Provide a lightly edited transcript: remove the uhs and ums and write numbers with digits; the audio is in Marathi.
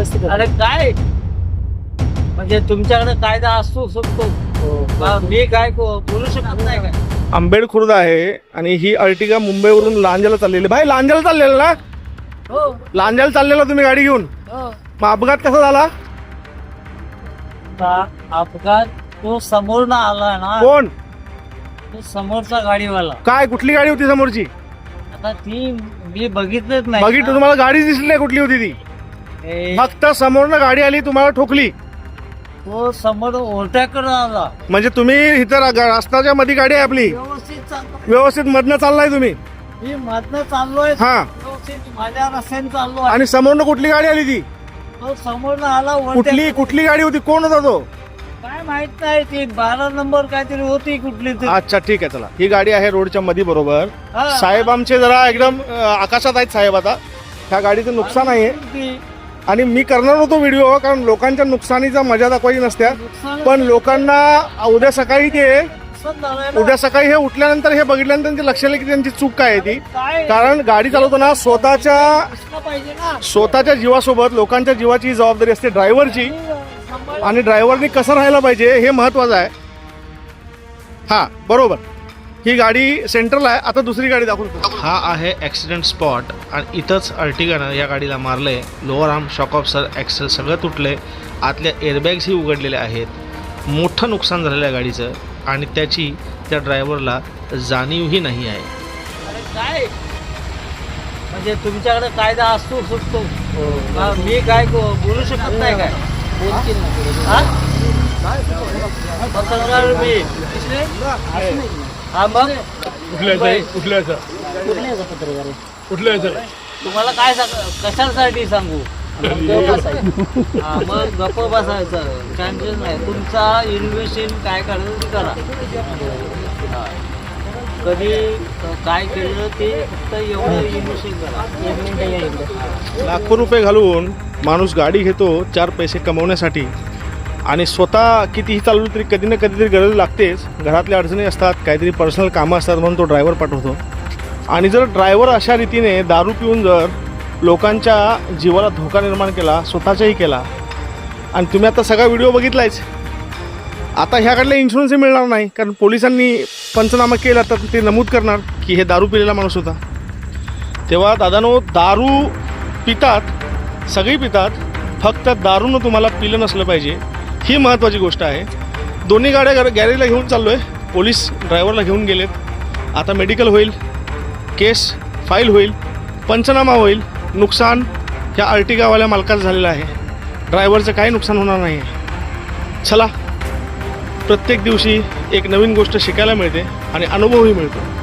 उपस्थित होते. अरे काय म्हणजे तुमच्याकडे कायदा असतो शकतो, मी काय बोलू शकत नाही काय. आंबेड खुर्द आहे आणि ही अर्टिगा मुंबईवरून लांजाला चाललेली. भाई लांजाला चाललेला ना? हो लांजाला चाललेला तुम्ही गाडी घेऊन? हो. मग अपघात कसा झाला? आता अपघात तो समोर ना आला ना, कोण? तो समोरचा गाडीवाला. काय कुठली गाडी होती समोरची? आता ती मी बघितलंच नाही. बघितलं तुम्हाला गाडी दिसली नाही कुठली होती ती? ए, फक्त समोरनं गाडी आली तुम्हाला ठोकली. तो समोर ओरट्याकडे आला. म्हणजे तुम्ही इथं रस्त्याच्या मध्ये गाडी आहे आपली, व्यवस्थित चाललो, व्यवस्थित मधनं चाललाय तुम्ही. मी मधनं चाललोय, हा. व्यवस्थित माझ्या रस्त्याने चाललो आहे. आणि समोरनं कुठली गाडी आली ती? तो समोरनं आला कुठली गाडी होती? कोण होता तो? काय माहित नाही, ती 12 नंबर काहीतरी होती कुठली तरी. अच्छा ठीक आहे, चला. ही गाडी आहे रोडच्या मध्ये बरोबर. हा. साहेब आमचे जरा एकदम आकाशात आहेत साहेब. आता ह्या गाडीचं नुकसान आहे ती आणि मी करणार होतो व्हिडिओ, कारण लोकांच्या नुकसानीचा मजा दाखवायची नसत्या. नुकसान पण लोकांना उद्या सकाळी झालंय ना. उद्या सकाळी हे उठल्यानंतर हे बघितल्यानंतर त्यांच्या लक्षात आलं की त्यांची चूक काय आहे ती. काय कारण गाडी चालवताना दिसलं पाहिजे ना. स्वतःच्या जीवासोबत लोकांच्या जीवाची जबाबदारी असते ड्रायव्हरची, सांभाळ. आणि ड्रायव्हरनी कसं राहायला पाहिजे हे महत्वाचं आहे. हा बरोबर, ही गाडी सेंट्रल आहे. आता दुसरी गाडी दाखवतो. हा आहे ॲक्सिडेंट स्पॉट आणि इथंच अर्टिगानं या गाडीला मारलंय. Lower arm shock absorber axle सगळं तुटले, आतल्या एअरबॅग्सही उघडलेल्या आहेत. मोठं नुकसान झालेलं आहे गाडीचं आणि त्याची त्या ड्रायव्हरला जाणीवही नाही आहे. अरे काय म्हणजे तुमच्याकडे कायदा असतो शकतो, मी काय बोलू शकत नाही काय. बोलतील ना पुढे. हा? पत्रकार मी. हा मग कुठल्याचा पत्रकार आहे? तुम्हाला काय कशासाठी सांगू? गप्प आहे. हा, मग गप्प बसायचं, टेन्शन नाही. तुमचा इन्व्हेस्टिंग काय करायचं ते करा. हा. कधी काय केलं ते फक्त एवढं इन्व्हेस्टिंग करा. एक मिनिट या इकडे. लाखो रुपये घालून माणूस गाडी घेतो 4 पैसे कमवण्यासाठी, आणि स्वतः कितीही चालवलं तरी कधी ना कधीतरी गरज लागतेच. घरातल्या अडचणी असतात, काहीतरी पर्सनल कामं असतात, म्हणून तो ड्रायव्हर पाठवतो. आणि जर ड्रायव्हर अशा रीतीने दारू पिऊन जर लोकांच्या जीवाला धोका निर्माण केला, स्वतःचाही केला, आणि तुम्ही आता सगळा व्हिडिओ बघितलायच. आता ह्याकडले इन्शुरन्सही मिळणार नाही, कारण पोलिसांनी पंचनामा केला तर ते नमूद करणार की हे दारू पिलेला माणूस होता. तेव्हा दादानो, दारू पितात, सगळी पितात, फक्त दारूनं तुम्हाला पिलं नसलं पाहिजे, ही महत्त्वाची गोष्ट आहे. दोन्ही गाड्या गॅरेजला घेऊन चाललो आहे. पोलीस ड्रायव्हरला घेऊन गेलेत. आता मेडिकल होईल, केस फाईल होईल, पंचनामा होईल. नुकसान ह्या अर्टिगावाल्या मालकाचं झालेलं आहे, ड्रायव्हरचं काही नुकसान होणार नाही आहे. चला, प्रत्येक दिवशी एक नवीन गोष्ट शिकायला मिळते आणि अनुभवही मिळतो.